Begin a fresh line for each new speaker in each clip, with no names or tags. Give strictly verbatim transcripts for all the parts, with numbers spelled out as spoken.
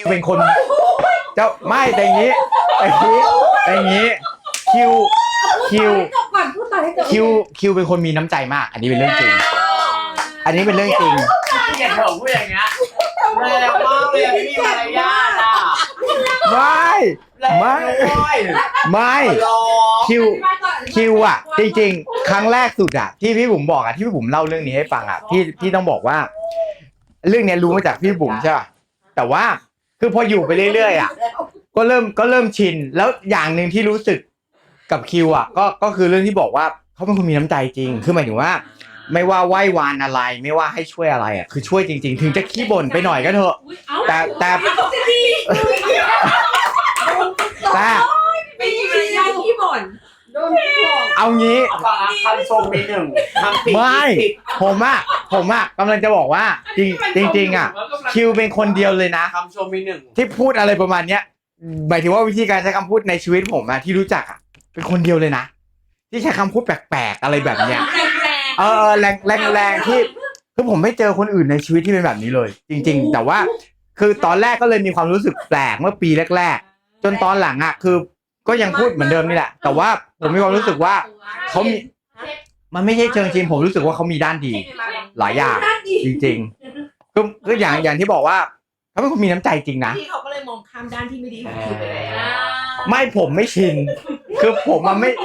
เป็นคนเจ้าไม่แต่อย่างนี้แต่อย่างนี้แต่อย่างนี้คิวคิวคิวคิวเป็นคนมีน้ำใจมากอันนี้เป็นเรื่องจริงอันนี้เป็นเรื่องจริง
อย่าเถอะพูดอย่างเงี้ยแรงมากเลยไม่มีมารยาทอ่ะ
ไม่ไม่ไม่คิวคิวอ่ะจริงๆครั้งแรกสุดอ่ะที่พี่บุ๋มบอกอ่ะที่พี่บุ๋มเล่าเรื่องนี้ให้ฟังอ่ะพี่พี่ต้องบอกว่าเรื่องนี้รู้มาจากพี่บุ๋มใช่ป่ะแต่ว่าคือพออยู่ไปเรื่อยๆอ่ะก็เริ่มก็เริ่มชินแล้วอย่างหนึ่งที่รู้สึกกับคิวอ่ะก็ก็คือเรื่องที่บอกว่าเขาเป็นคนมีน้ำใจจริงคือหมายถึงว่าไม่ว่าไหว้วานอะไรไม่ว่าให้ช่วยอะไรอ่ะคือช่วยจริงๆถึงจะขี้บ่นไปหน่อยก็เถอะแต่แต่แต่
ไม่มีมารยาทขี้บ่นโดนบอก
เอางี้
คำชมมีหนึ่ง
ไม่ผมอ่ะผมอ่ะกำลังจะบอกว่าจริงจริงๆอ่ะคิวเป็นคนเดียวเลยนะ
คำชมมีหนึ่ง
ที่พูดอะไรประมาณเนี้ยหมายถึงว่าวิธีการใช้คำพูดในชีวิตผมอะที่รู้จักอะเป็นคนเดียวเลยนะที่ใช้คำพูดแปลกๆอะไรแบบเนี้ยเออแรงแรงแรงที่คือผมไม่เจอคนอื่นในชีวิตที่เป็นแบบนี้เลย จริงๆแต่ว่าคือตอนแรกก็เลยมีความรู้สึกแปลกเมื่อปีแรกๆจนตอนหลังอะคือก็ยังพูดเหมือนเดิมนี่แหละแต่ว่าผมมีความรู้สึกว่าเขามีมันไม่ใช่เชิงชินผมรู้สึกว่าเขามีด้านดีหลายอย่างจริงๆก็ก็อย่างอย่างที่บอกว่าเขาเป็นคนมีน้ำใจจริงนะ
ที่เขาก็เลยมองข้ามด้านที่ไม่ดีของคิวไปแล้ว
ไม่ผมไม่ชินคือผมมันไม่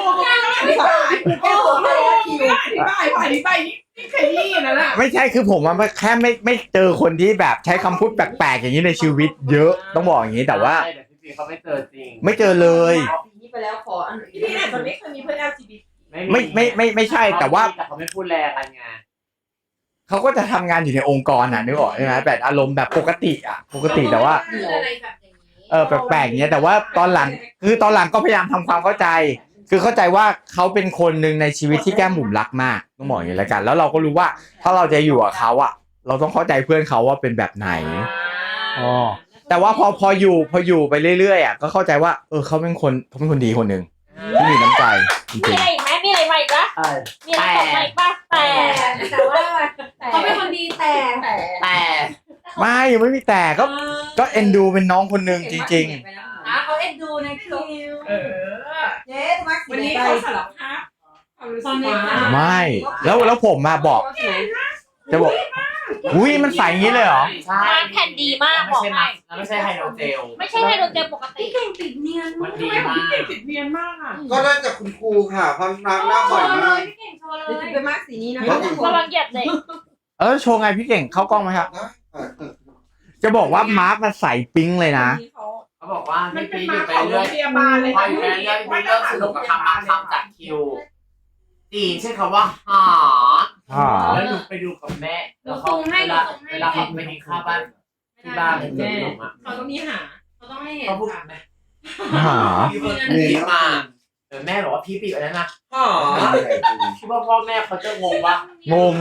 ไม่ใช่คือผมมันแค่ไม่ไม่เจอคนที่แบบใช้คำพูดแปลกๆอย่างนี้ในชีวิตเยอะต้องบอกอย่างนี้แต่ว่า
เขาไม่เจอจริง
ไม่เจอเลย
พี่ไปแล้วขออันนี้พี่มันไม่เคยมีเพื่อน แอล จี บี ที
ไม่ไม่ไม่ไม่ใช่แต่ว่า
แต่เขาไม่พูดแรงกันไง
เขาก็จะทำงานอยู่ในองค์กรน่ะนึกออกใช่ไหมแบบอารมณ์แบบปกติอ่ะปกติแต่ว่าเออแปลกๆอย่างเงี้ยแต่ว่าตอนหลังคือตอนหลังก็พยายามทำความเข้าใจคือเข้าใจว่าเขาเป็นคนหนึ่งในชีวิตที่แก้มบุ๋มรักมากต้องบอกอย่างนี้แล้วกันแล้วเราก็รู้ว่าถ้าเราจะอยู่กับเขาอ่ะเราต้องเข้าใจเพื่อนเขาว่าเป็นแบบไหนอ๋อแต่ว่าพอพออยู่พออยู่ไปเรื่อยๆอ่ะก็เข้าใจว่าเออเขาเป็นคนเขาเป็นคนดีคนหนึ่งที่มีน้ำใจจริง
มีอะไรอีกไหมมีอะไรใหม่ปะมีอะไรใหม่ปะแต่
แต่ว่าเขาเป็นคนดีแต่
แต่
ไม่ไม่มีแต่ก็ก็เอ็นดูเป็นน้องคนหนึ่งจริงๆ
อ่ะเขาเอ็นดูในคิวเออเจ๊มาวันนี้เขาสารภาพ
ไม่แล้วแล้วผมมาบอกจะบอกอุ้ยมันใส่อย่างนี้เลยเหรอ
ใช่
มันแผ่นดีมากบอกให้
ไม่ใช่ไฮโดรเจล
ไม่ใช่ไฮโดรเจลปกติ
เก่งติดเนียนมันดีมากเก่งติดเนียนมากอ่ะ
ก็ได้จากคุณครูค่ะพันน้ำหน้าบ่อยมาก
พี่เก่งโชว์เลยจะเป็นมากสีนี้นะ
ระวังเหยียบเลย
เออโชว์ไงพี่เก่งเข้ากล้องไหมครับจะบอกว่ามาร์คมันใส่ปิ๊งเลยนะ
เขาบอกว่าพี่พีอยู่ไปเรื่อยพออยู่ไปเรื่อยพี่เริ่มสนุกกับคำบางคำจากคิวจีใช่คำว่าหาแล้วดูไปดูกับแม่แล้วเขาเวลาเวลาเขาไปกินข้าวบ้านที่บ้านแม่
เขาต้องมีหาเขาต้องให้เห็น
เขาพูดแม่
หา
พี่มาเออแม่บอกว่าพี่ปีอะไรนะหาคิดว่าพ่อแม่เขาจะงงว่
งง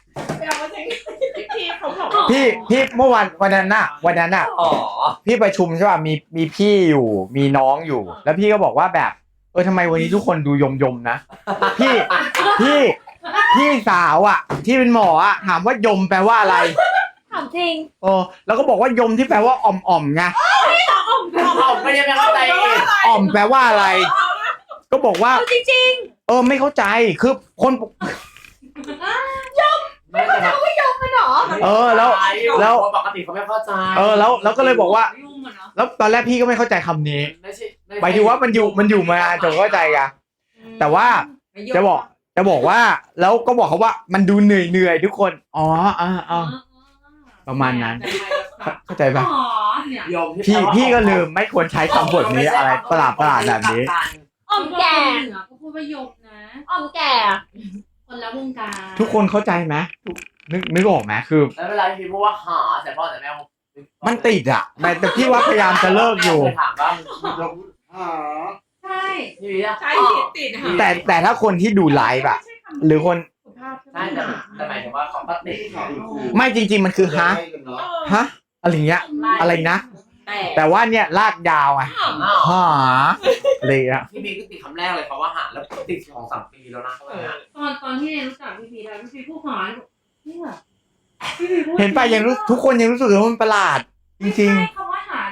พี่เขาบอก
พี่พี่เมื่อวันวันนั้นน่ะวันนั้นน่ะ
อ๋อ
พี่ประชุมใช่ป่ะมีมีพี่อยู่มีน้องอยู่แล้วพี่ก็บอกว่าแบบเออทำไมวันนี้ทุกคนดูยมยมนะพี่พี่พี่สาวอ่ะที่เป็นหมออ่ะถามว่ายมแปลว่าอะไร
ถามจริง
เออแล้วก็บอกว่ายมที่แปลว่าอ่อมอ่อมไง
อ่อมไม่ได้ไม่เข้าใจ
อ่อมแปลว่าอะไรก็บอกว่า
จริง
ๆเออไม่เข้าใจคือคน
ยมไม่เข้าใจว่ายมมันหรอ
เออแล้วแล้ว
ปกติเขาไม่เข้าใจ
เออแล้วแล้วก็เลยบอกว่าแล้วตอนแรกพี่ก็ไม่เข้าใจคำนี้หมายถึงว่ามันอยู่มันอยู่มาจนเข้าใจกันแต่ว่าจะบอกจะบอกว่าแล้วก็บอกเขาว่ามันดูเหนื่อยเหนื่อยทุกคนอ๋ออ่าอ่าประมาณนั้นเข้าใจป่ะพี่พี่ก็ลืมไม่ควรใช้คำบทนี้อะไรประหลาดประหลาดแบบนี้
อ่อมแก่
ก็พูดว่ายมนะ
อ่อมแก่
คนละวงการ
ทุกคนเข้าใจไหมนึกนึกออกไหมคือ
แล้วเวลาพี่พูดว่าหาแต่พ่อแต่แม่
มันติดอ่ะแต่พี่ว่าพยายามจะเลิกอยู่
ถามว่า
หา
ใช่ใช่ติด
แต่แต่ถ้าคนที่ดูไลฟ์อะหรือคน
ใช่แต่หมายถึงว่าเขาก็ติด
ไม่จริงๆมันคือฮะฮะอะไรเงี้ยอะไรนะแต่ว่าเนี่ยลากยาวไงหาเลยอะ
พี่บีก็ติดคำแรกเลยเพราะว่าหาแล้วติดสองสามปีแล้วนะ
ตอนตอนที่เรียนรู้จักพี่บีแล้วพี่บีพูดหาเนี่ย
เห็นไปยังรู้ทุกคนยังรู้สึกว่ามันประหลาดจริง
ๆคำว่าหาเนี่ย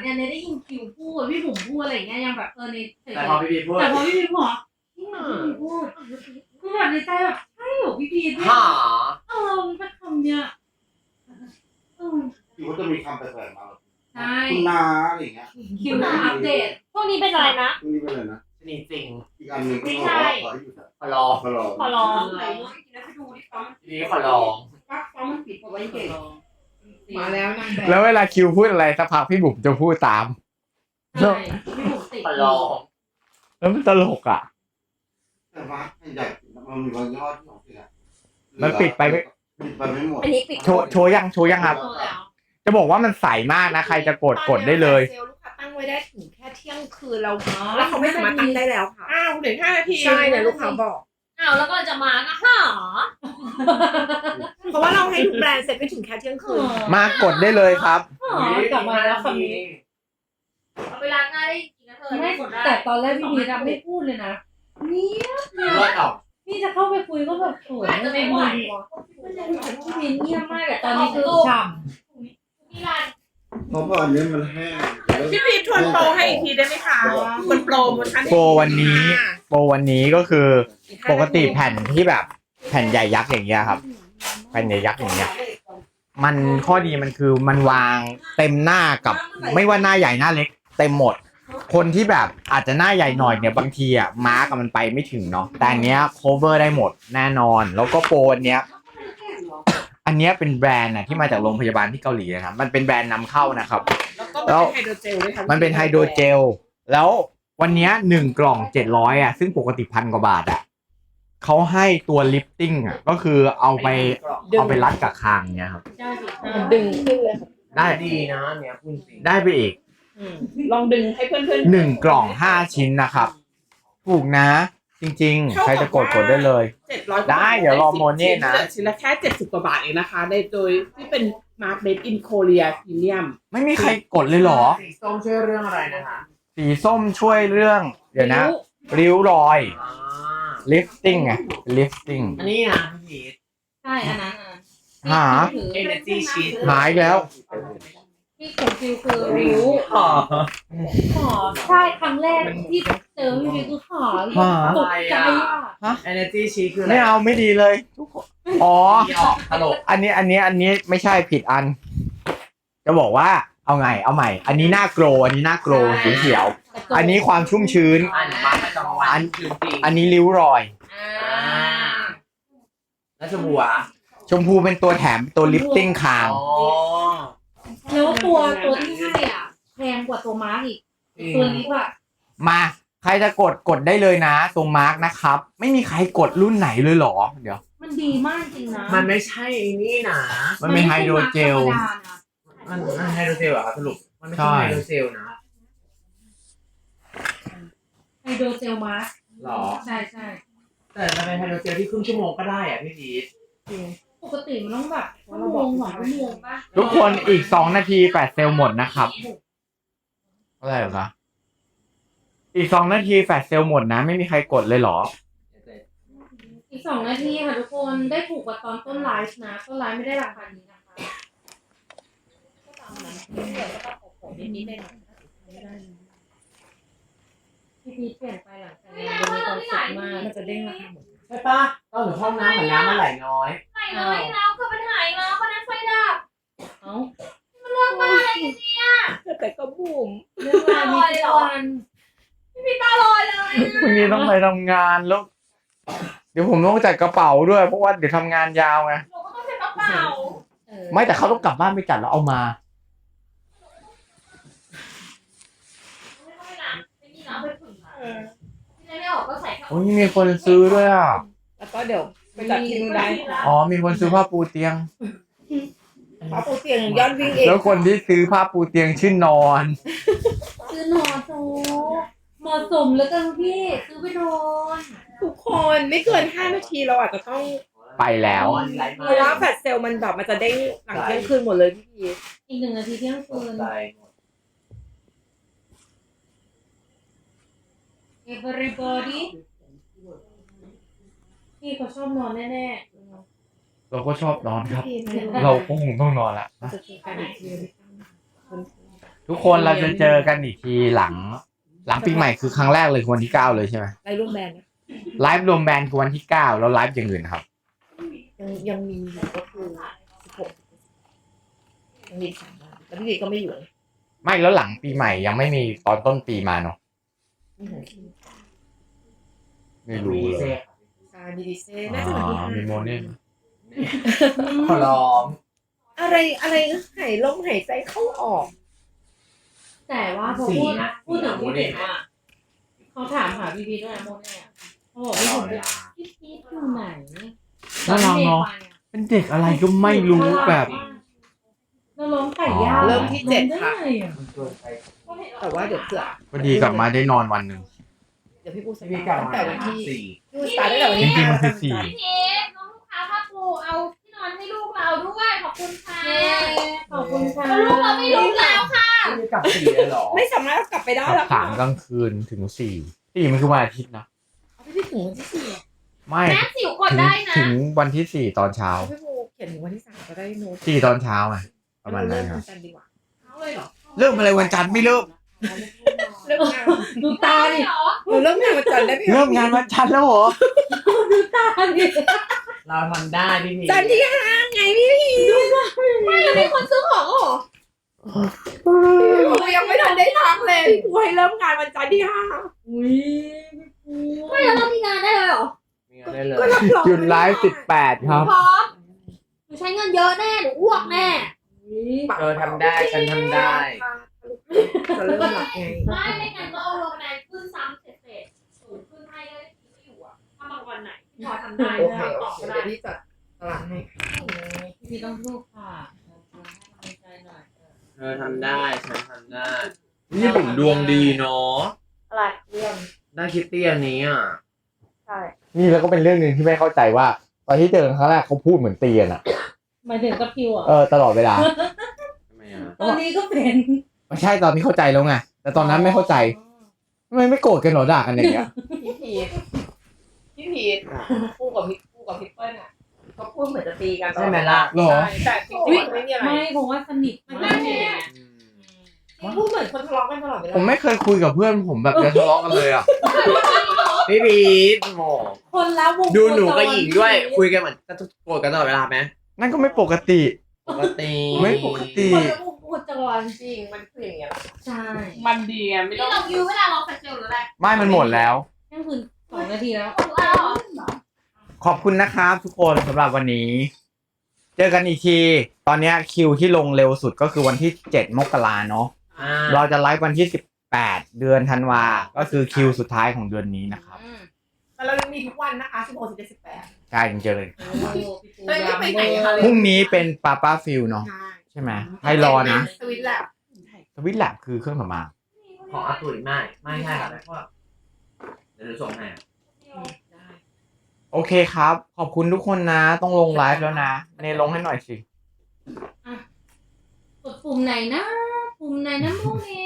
เนี่ยเนี่ยได้ยินคิวพูดพี่บุ๋มพูดอะไรอย่างเงี้ยยังแบบเออในเฉย
แต่พอพี่พีพูด
แต่พอพี่พีพูดพี่พีพูดคือแบบในใจแบบใช่เหรอพี่พีเนี่ย
หา
เออมันเป็นคำเนี้ยเออ
อยู่ก็จะมีคำแปลกๆมาแบบ
ใช่
คุณนาอะไรอย่างเงี้ย
คิวมาอัปเดต
พวกนี้เป็นอะไรนะ
พวกนี้เป็นอะไรนะ
ชนิดจริง
อีกอันหนึ่ง
ไม่
ที่
ใช่
บอกว่าขอให้หยุดอะ
ขอลอง
ขอรอ
ขอร้อง
ไหนเนาะอีกแล้วไปดูดิฟ้า
ทีนี้ขอลอง
ฟ้าฟ้ามันปิดเอาไว้เก่ง
มา
มา
แล้ว
แล้วนางแบบ
แล้วเวลาคิวพูดอะไรสักพักพี่บุ๋มจะพูดตาม
ใช่พี่บุ๋มติด
ขอลอง
แล้วมันตลกอ่ะ
แต่ว่าใหญ่มันมีบางยอดที่ของเสีย
มันปิดไปไม่
ปิดไปไม่หมด
อันนี้ปิด
โชว์โชว์ยังโชว์ยังครับ
โตแล้ว
จะบอกว่ามันใสมากนะใครจะกดกดได้เลย
เซลล์ลูกค้าตั้งไว้ได้ถึงแค่เที่ยงคืนเราแล้วเขาไม่สามารถตั้งได้แล้วค่ะอ้าวเหลือห้านาทีใช่เนี่ยลูกค้าบอก
อ้าวแล้วก็จะมาก็หา
เพราะว่าเราให้ทุกแบรนด์เซ็ตไปถึงแค่เที่ยงคืน
มากดได้เลยครับ
หากลับมาแล้วคำนี้
เอาไปล้างหน้าได้จริงนะเธอ
ไม่
กดได้
แต่ตอนแรกพี่พีทำไม่พูดเลยนะเนี่ย
เลือดออก
พี่จะเข้าไปคุยก็แบบโผล่ไม่ไหวพี่พีเงียบมากแต่ตอนนี้คือฉ่
พี่รัน
เพราะว่าอันนี้มันแห้ง
พี่พีททวนโปรให้อีกทีได้ไหมคะคนโปรโมชั่น
โปรวันนี้ โปรวันนี้ก็คือปกติแผ่นที่แบบแผ่นใหญ่ยักษ์อย่างเงี้ยครับ แผ่นใหญ่ยักษ์อย่างเงี้ย มันข้อดีมันคือมันวางเต็มหน้ากับไม่ว่าหน้าใหญ่หน้าเล็ก เต็มหมด คนที่แบบอาจจะหน้าใหญ่หน่อยเนี่ยบางทีอ่ะมาร์กมันไปไม่ถึงเนาะแต่อันเนี้ย cover ได้หมดแน่นอน แล้วก็โปรอันเนี้ย อันเนี้ยเป็นแบรนด์นะที่มาจากโรงพยาบาลที่เกาหลีนะครับมันเป็นแบรนด์นำเข้านะครับ
แล้วก็เป็นไฮโดรเจลด้วยค่ะ
มันเป็นไฮโดรเจล แล้ววันเนี้ยหนึ่งกล่องเจ็ดร้อยอ่ะซึ่งปกติพันกว่าบาทอ่ะเขาให้ตัวลิฟติ้งอ่ะก็คือเอาไปเอาไปรัดกับคางเนี่ยครับ
ำใช่สิ
มันดึงขึ้นเลยค่ะ
ได้
ดีนะเนี่ยคุณสิ
ได้ไปอีก
ลองดึงให้เพื่อนๆ
หนึ่งกล่องห้าชิ้นนะครับถูกนะ จริงๆ ใครจะกดกดได้เลย
เจ็ดร้อย
ได้เดี๋ยวรอโมเน่นะ
ชิ้นละแค่เจ็ดสิบกว่าบาทเองนะคะในโดยที่เป็นมาร์คเมดอินโคเรียพรีเมียม
ไม่มีใครกดเลยเหรอ
สีส้มช่วยเรื่องอะไรนะคะ
สีส้มช่วยเรื่อง เดี๋ยวนะ ริ้วรอย
อ่า
ลิฟติ้งไงลิฟติ้ง
อันนี้นะพี่พีท
ใช่อันนั้นอ่ะ
หา
ถือ
Energy Sheet
หายแล้ว
ที่ของฟิวคือริ้ว
อ๋อ
หอใช่ครั้งแรกที่เจอพี่พีคือหอตกใจอ่ะ
Energy Sheet คืออะไร
ไม่เอาไม่ดีเลยทุกคนอ๋อ
ที่ออกตลก
อันนี้อันนี้อันนี้ไม่ใช่ผิดอัน จะบอกว่าเอาไงเอาใหม่ อันนี้หน้าโกลอันนี้หน้าโกลสีเขียว อันนี้ความชุ่มชื้น
อันมาประจำวันจริงๆ
อันนี้ริ้วรอย
อ่า
แล้วชมพูอ่ะ
ชมพูเป็นตัวแถมตัวลิฟติ้งคาง
อ๋อ
แล้วตัวตัวที่ให้อ่ะแพงกว่าตัวมาร์กอีกตัวนี้ว่ะ
มาใครจะกดกดได้เลยนะตรงมาร์กนะครับ ไม่มีใครกดรุ่นไหนเลยเหรอ เดี๋ยว
มันดีมากจริงนะ
มันไม่ใช่นี่นะ
มันเป็นไฮโดรเจล
มันมันไฮโดรเจลเหรอครับสรุป มันไม่ใช่
ใช่
ไฮโดรเจลนะ
ไฮโดรเจลมาร์ก
หรอ
ใช่ใช่
แต่มันเป็นไฮโดรเจลที่ครึ่งชั่วโมงก็ได้อ่ะพี่พีท
ปกติมันต้องแบบชั่วโมงสองชั่วโมงป่ะ
ทุกคนอีกสองนาทีแปดเซลล์หมดนะครับอะไรเหรอคะอีกสองนาทีแปดเซลล์หมดนะ ไม่มีใครกดเลยเหรอ
อีกสองนาทีค่ะทุกคนได้ถูกกว่าตอนต้นไลฟ์นะต้นไลฟ์ไม่ได้ราคานี้นะคะพี่พีชเปลี่ยนไปหลังจากงานมีความสุขมาก
มันจะเด้งราคาหมด
ใช่ปะต้องถึงห้องน้ำเหมือนน้ำมันไหลน้อย
ไหนน้อยแล้วคือมันหายแล้ววันนั้นไฟดับ
เอ้า
มันเรื่องบ้าอะไรกันเนี่ย
แต่ก็บูม
เรื่องราวมีทุกวัน
พี่พีตาลอยเลย
วันนี้ต้องไปทำงานแล้ว เดี๋ยวผมต้องจัดกระเป๋าด้วยเพราะว่าเดี๋ยวทำงานยาวไง
หนูก็ต้องใส่กระเป๋า
เออ
ไม่แต่เขาต้องกลับบ้านไปจัดแล้วเอามา
ไม่ต้องไปล้างไม่มีน้ำไปผึ่งที่ไม่ออกก็ใส่แค่
โอ้ยมีคนซื้อด้วยอ่ะ
แล้วก็เดี๋ยวไปจัดที่นู่นได้
อ๋อมีคนซื้อผ้าปูเตียง
พระปูเตียงยอดวิ่งเอง
แล้วคนที่ซื้อผ้าปูเตียงชื่อนอน
ซื้อนอนโซเหมาะสมแล้วกันพี่ซื้อไปนอน
ทุกคนไม่เกินห้านาทีเราอาจจะต้อง
ไปแล้ว
ไหล
เพ
มา
ราะว่าแฟลชเซลล์มันแบบมันจะเด้งหลังเที่ยงคืนหมดเลยพี่พีช
อีกหนึ่งนาทีเที่ยงคืน
ไหล
everybody พี่เขาชอบนอนแน่
เราก็ชอบนอนครับ
พี่
เราก็คงต้องนอนละนะ
จะมีการอีกที
ๆ
ทุกคนเราจะเจอกันอีกทีหลัง หลังปีใหม่คือครั้งแรกเลยคือวันที่เก้าเลยใช่ไหม
ไลฟ์ร่วมแบรนด์นะ
ไลฟ์รวมแบรนด์คือวันที่เก้าแล้วไลฟ์อย่างอื่นครับ
ยังยังมีอยู่ก็คือสิบหกยังมีอีกสามวันแล้วพี่ดีก็ไม่อยู่
ไม่แล้วหลังปีใหม่ยังไม่มีตอนต้นปีมาเนาะ
มีของคิว
ไม่รู้เลย
ซามีดีเซ่น่าจะวันที่ห้า
มีโมเน่
ขอร้อง
อะไรอะไรหายลมหายใจเข้าออก
แต่ว่าพอ
สี
พูด
นะ
พูดถึง
โม
พี่
เด
เด็
ล
กว่าเขาถามหาพี่พีด้วยนะโมเนี่ยเขาบอกพี่ผมพี่พีอยู่ไหน
น่ารักเนาะเป็นเด็กอะไรก็ไม่รู้แบบ
เราล้มไก่ย่าง
เริ่มที่เจ็ดค่ะ
ล้มไไงอะ
แต่ว่าเดี๋ยวเผื่อ
พอดีกลับมาได้นอนวันหนึ่ง
เดี๋ยวพี่ปูส
พี่
ตา
กั
ร์
บ
ทตั้งแต่วันที่
สี่
พี่ปูสตาร์ทตั้งแต่วัน
จ
ที่
ริงๆ
ห้า
มันคือสี่
พี่พีทน้องลูกค้าผ้าปูเอาที่นอนให้ลูกเราด้วยขอบคุณค่ะ
ขอบคุณค่ะ
ลูกเราไม่รู้แล้วค่ะ
พี่กับสี่เลยเหรอ
ไม่สามารถเอากลับไปได้
ขับ
แล้ว
สามกลางคืนถึงสี่สี่มันคือวันอาทิตย์นะ
พี่พี่ถึงวันที่สี่
ไม่
แม่สิวกด
ถึง
ได้นะ
ถึงวันที่สี่ตอนเช้า
พี่ปูเขียนถึงวันที่สามก็ได้โน้ต
สี่ตอนเช้าไงประมาณนั้นครับ
เริ่มวันจันทร์ดีกว่าเอาเลยเหรอ
เริ่มอะไรวันจันทร์ไม่เริ่ม
เริ่มงาน
ดูตาดิ
เหรอ
หนูเริ่มงานวันจันทร์ได้ไหมคะ
เริ่มงานวันจันทร์แล้วเหรอ
ตาดิ
เราทำได้พี่พี
จันทร์ที่ห้าไงพี่พี่
ไม่เราเป็นคนซื้อของเหรอ
ปูยังไม่ทันได้พักเลยพี่ปูให้เริ่มงานวันจันทร์ที่ห้า
อุ้ย
ไม่เราต้องมีงานได้เลยเหรอ
มีอะไรเลย
ก็รับรอง
หยุดไลฟ์สิบแปดครับ
พร้อมหนูใช้เงินเยอะแน่หนูอ้วกแน่
เออทำได้ฉันทำได้
จะเริ่มหลักไง
ไม่ไม่งั้นก็เอาโรงแรมขึ้นซ้ำเสร็จๆสูงขึ้นให้ได้ที่ไม่อยู่อ่ะถ้าบางวันไหนที่พอทำได้
โอเค
ทำ
โอ
ต่อ
เค
ก็ได้
เดี๋ยวพี่จัดตารางให้
พี่พีต้องพูดค่ะให้กำลังใจหน่อย
เธอทำได้ฉันทำได้นี่ผมดวงดีเนาะ
อะไรเรื่อง
ได้คิตตี้อันนี้อ่ะ
ใช่
นี่แล้วก็เป็นเรื่องหนึ่งที่ไม่เข้าใจว่า ตอนที่เจอกันครั้งแรกเขาพูดเหมือนเตียนอ่ะ
หมายถึงกับพิวอ่ะ
เออตลอดเวลา
ทำไมอ่ะ
ตอนนี้ก็เป็น
ไม่ใช่ตอนนี้เข้าใจแล้วไงแต่ตอนนั้นไม่เข้าใจทำไมไม่โกรธกันเหรอด่ากันอย่างเงี้ย
พี่พีทพี่พีทคู่กับพี่คู่กับพี่เปิ้ลอ่ะเขาพูดเหมือนจะตีกันตลอด
ใช่ไหมล่ะ
หรอ
ใช่แต่จริงๆมันไม่มีอะไร
ไม่เพราะว่าสนิท
มัน
มา
ไม่
ก
มีอะไรพูดเหมือนคนทะเลาะกันตลอดเวลา
ผมไม่เคยคุยกับเพื่อนผมแบบจะทะเลาะกันเลยอ่ะ
พี่พีทโห
คนละวง
ดูหนูกับหญิงด้วย คุยกันเหมือนจะโกรธกันตลอดเวลาไหม
นั่นก็ไม่ปกติ
ปกติ
ไม่ปกติ
คนละวงโคจร
จริงมันคืออย่างเงี้ย
ใช่
มันดีอ่ะไม่
นี่
ต้อง
เรายื้อเวลาเราแฟชเซลหรืออะไร
ไม่มันหมดแล้ว
แค่คืนสองนาทีแล้ว
หรืออะไรเหรอ
ขอบคุณนะครับทุกคนสำหรับวันนี้ เจอกันอีกที ตอนเนี้ยคิวที่ลงเร็วสุดก็คือวันที่เจ็ดมกราเนาะ
อ่า
เราจะไลฟ์วันที่สิบแปดเดือนธันวา ก็คือคิวสุดท้ายของเดือนนี้นะครับ
แต่เรายังมีทุกวันนะคะสิบหกสิบเจ็ดสิบแปด
ใช่จริงๆเลย
เฮ้ยไปไหนคะ
พรุ่งนี้เป็นปาป้าฟิลเนาะ
ใช่
ใช่ไหมให้รอนะ
สวิตแลบ
สวิตแลบคือเครื่องสำอาง
ของอาตุยไม่ ไม่ใช่ครับเพราะว่าเดี๋ยวหนูส่งให้
ได้
โอเคครับ ขอบคุณทุกคนนะ ต้องลงไลฟ์แล้วนะ เนลงให้หน่อยสิ
กดปุ่มไหนนะ ปุ่มไหนนะโมเน